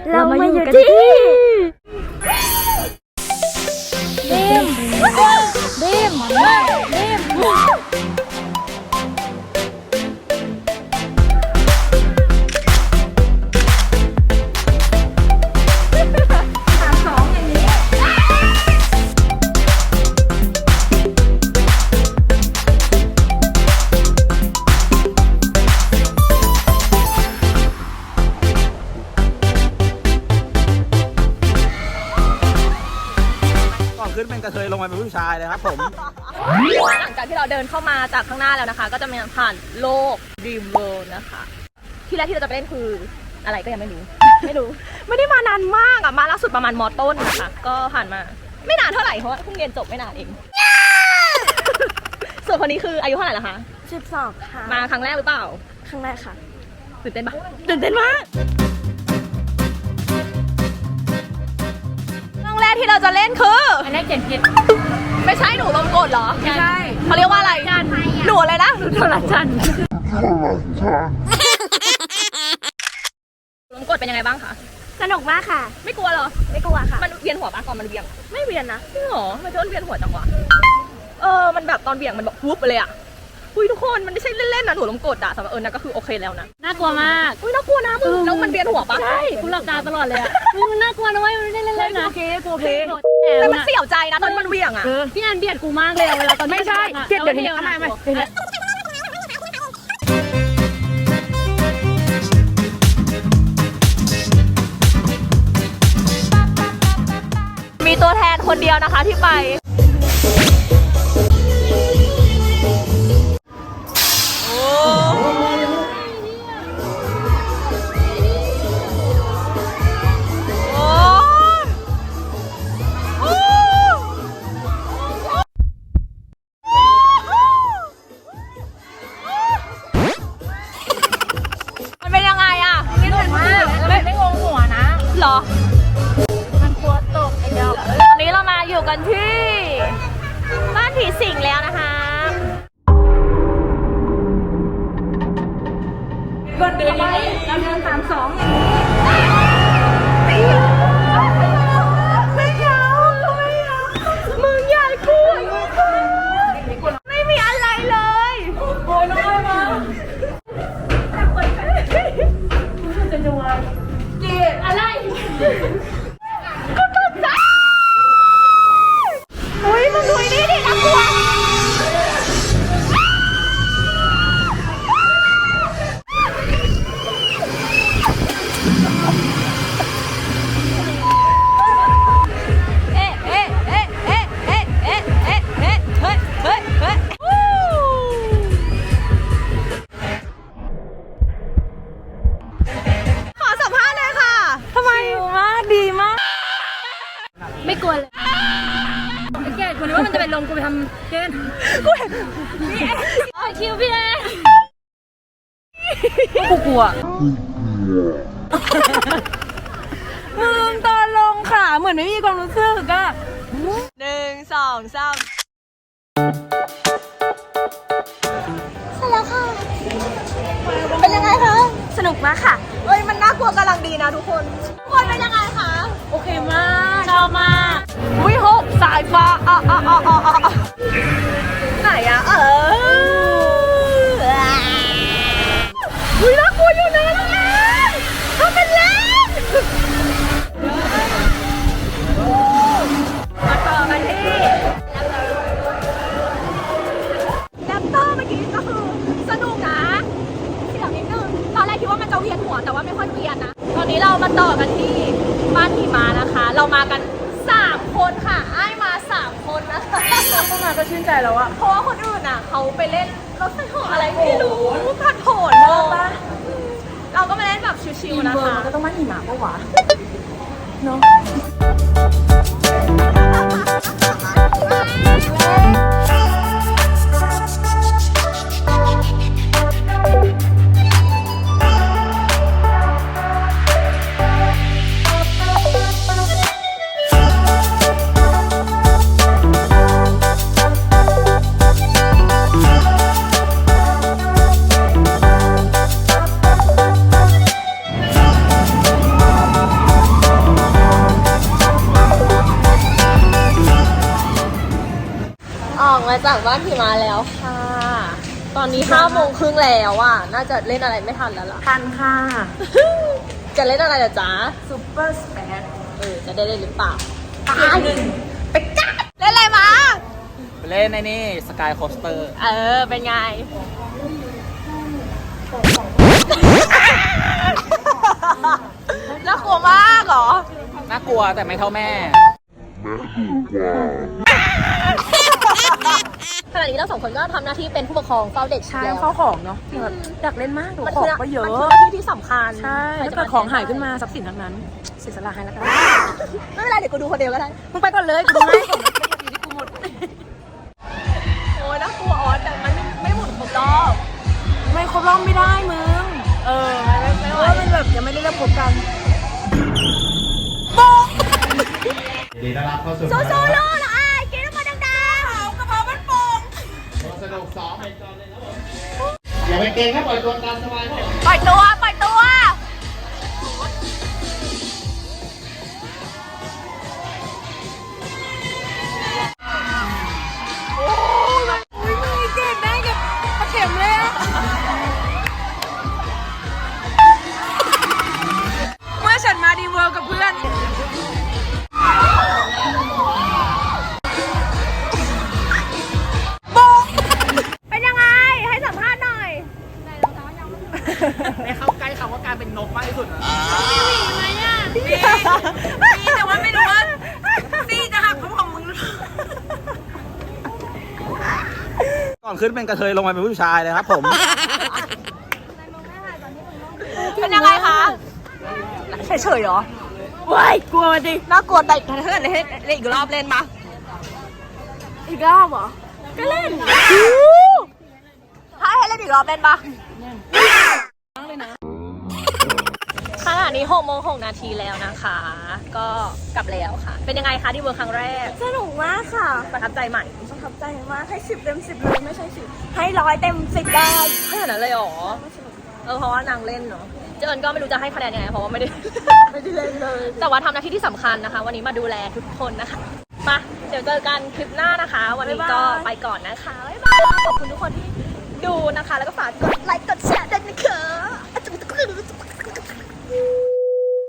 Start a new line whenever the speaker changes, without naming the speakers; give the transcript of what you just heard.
เรามาอยู่กันที่ดิม
ขึ้นเป็นกระเทยลงมาเป็นผู้ชายเลยครับผม
หลังจากที่เราเดินเข้ามาจากข้างหน้าแล้วนะคะก็จะมีผ่านโลก Dream World นะคะที่แรกที่เราจะไปเล่นคืออะไรก็ยังไม่รู้ไม่ได้มานานมากอ่ะมาล่าสุดประมาณม.ต้นนะคะก็ผ่านมาไม่นานเท่าไหร่เพราะว่าเพิ่งเรียนจบไม่นานเอง ส่วนคนนี้คืออายุเท่าไหร่ละคะ
12ค่ะ
มาครั้งแรกหรือเปล่า
ครั้งแรกค่ะ
ตื่นเต้นปะตื่นเต้นมากเรื่องแรกที่เราจะเล่นคือ
อันนี้เขียนผิด
ไม่ใช่หนูลมกดเหรอ
ไม่ใช่
เขาเรียกว่าอะไรหนูอะไรนะหนูโทรจันลมกดเป็นยังไงบ้างคะ
สนุกมากค่ะ
ไม่กลัวเหรอ
ไม่กลัวค่ะ
มันเวียนหัวปะก่อนมันเวียง
ไม่เวียนนะ
จริงเหรอมันจะเวียนหัวจังวะมันแบบตอนเวียงมันแบบวุบไปเลยอะอุ้ยทุกคนมันไม่ใช่เล่นๆนะหนูลมกดอะสำหรับนั่นก็คือโอเคแล้วนะ
น่ากลัวมาก
อุ้ยน่ากลัวนะมึงแล้วมันเวียนหัวปะ
ใช่คุณหลับตาตลอดเลยอะมันน่ากลัวนะเว้ยไม่ได้เล่นๆนะ
โอเคแต่มันเสี่ยวใจนะตอนมันเวียงอะ
พี่แอนเบียดกูมากเลยเวลาตอน
ไม่ใช่เบียดเดี๋ยวนี้ทำไมมีตัวแทนคนเดียวนะคะที่ไปหรอ
มันกลัวตกไอ้เดียว
ตอนนี้เรามาอยู่กันที่บ้านผีสิงแล้วนะคะ
ก็เดินเราเดิน32
ไม่เอามึงใหญ่กูไม่มีอะไรเลย
โอ้ยน้อยมาจะวายอะไร
ก็ตกใจอุ้ยมึงดูนี่ดิน่ากลัว
ไม่กลัวเลยไอ้แกคนนี้ว่ามันจะเป็นลมกูไปทำเกณฑ์กูเห็นพี่แอนคิวพี่แอนกูกลัวมึงตอนลงขาเหมือนไม่มีความรู้สึกอะ
1 2 3
เสร็จแล้วค่ะ
เป็นยังไงคะ
สนุกมากค่ะ
เอ้ยมันน่ากลัวกำลังดีนะทุกคนเป็นยังไงคะ
โอเคมากชอบมาก
วิหกสายฟ้าไหนอะน่ากลัวอยู่นะน้องแอนทำเป็นเล่นมาต่อกันที่แรปเตอร์เมื่อกี้ก็คือสนุกนะเสียงนิดนึงตอนแรกคิดว่ามันจะเวียนหัวแต่ว่าไม่ค่อยเวียนนะตอนนี้เรามาต่อกันที่บ้านหิมะนะคะเรามากัน3 คนค่ะไอ้มา3 คนนะคะ
เข้ามาก็ชื่นใจแล้วอะ
เพราะว่าคนอื่นอ่ะเขาไปเล่นรถไฟเหาะอะไรไม่รู้ผัดโผนเลยเราก็มาเล่นแบบชิวๆนะคะ
ก็ต้องมาหิมะปะวะเนาะ
จากบ้านพี่มาแล้วค่ะ ตอนนี้5:30แล้วอ่ะ น่าจะเล่นอะไรไม่ทันแล้วล่ะ
ทันค่ะ
จะเล่นอะไรล่ะจ๊ะ
ซูเปอร์สเปซ
จะได้เล่นหรือเปล่าตายไปกัดเล่นอะไรมา
ไปเล่นในนี่สกายโคสเตอร์
เป็นไง น่ากลัวมากเหรอ
น่ากลัวแต่ไม่เท่าแม่
ขณะนี้เราสองคนก็ทำหน้าที่เป็นผู้ปกครองเฝ้าเด็ก
ใช่
แล้ว
เข้าของเนาะแบบอยากเล่นมากดู
มัน
ขอ
คื
งก็เยอะ
มันคือหน้าที่ที่สำคัญ
ใช่ถ้าเกิดของหายขึ้นมาทรัพย์สินทั้งนั้นเสียสละให้แล้วกัน
ไม่เป็นไรเดี๋ยวกูดูคนเดียวก็ได้
มึงไปก่อนเลยกูดูให้ของอยู่ที่กูหมด
โอ้ยน่ากลัวอ๋อแต่มันไม่หมุนครบรอบ
ไม่ครบรอบไม่ได้มึงไม่ว่ามันแบบยังไม่ได้เริ่มคบกัน
ยินดีต้อนรับเข้าสู่
โซโซโล่เหรอไอ้กินมาดังๆกระเพามันโป่ง
สนุกซ้อมอย่าไปเกรงครับปล่อยตัวตามสบายครับ
ปล่อยตัวปล่อยตัว
เมื่อฉันมาดีเวิร์กับเพื่อน
เป็นยังไงให้สัมภาษณ์หน่อย
ไม่เข้าใกล้คำว่าการเป็นนกมากที่สุดนะ
แต่ว่าไม่รู้ว่าซี่จะหักของมึง
ก่อนขึ้นเป็นกระเทยลงมาเป็นผู้ชายเลยครับผม
เป็นยังไงคะ
เฉยๆเหรอว้ายกลัวดิ
น่ากลัวแต่ถ้าเกิดให้เล่นอีกรอบเล่นมา
อีกรอบเหรอ
ก็เล่นถ้าให้เล่นอีกรอบเล่นปะขณะนี้6:06แล้วนะคะ ก็กลับแล้วค่ะ เป็นยังไงคะที่เวิร์คครั้งแรก
สนุกมากค่ะ
ประทับใจใหม่
ประทับใจมากให้10 เต็ม 10เลยไม่ใช่10ให้100 เต็ม 10ได้
ขนาดนั้นเลยเหรอ เพราะว่านางเล่นเนาะเจินก็ไม่รู้จะให้คะแนนยังไงเพราะว่าไม่ได้
ไม่ได้เล่นเลย
แต่ว่าทำหน้าที่ที่สำคัญนะคะ วันนี้มาดูแลทุกคนนะคะมาเดี๋ยวเจอกันคลิปหน้านะคะ วันนี้ก็ไปก่อนนะคะบ๊ายบายขอบคุณทุกคนที่ดูนะคะ แล้วก็ฝากกดไลค์กดแชร์ด้วยนะคะ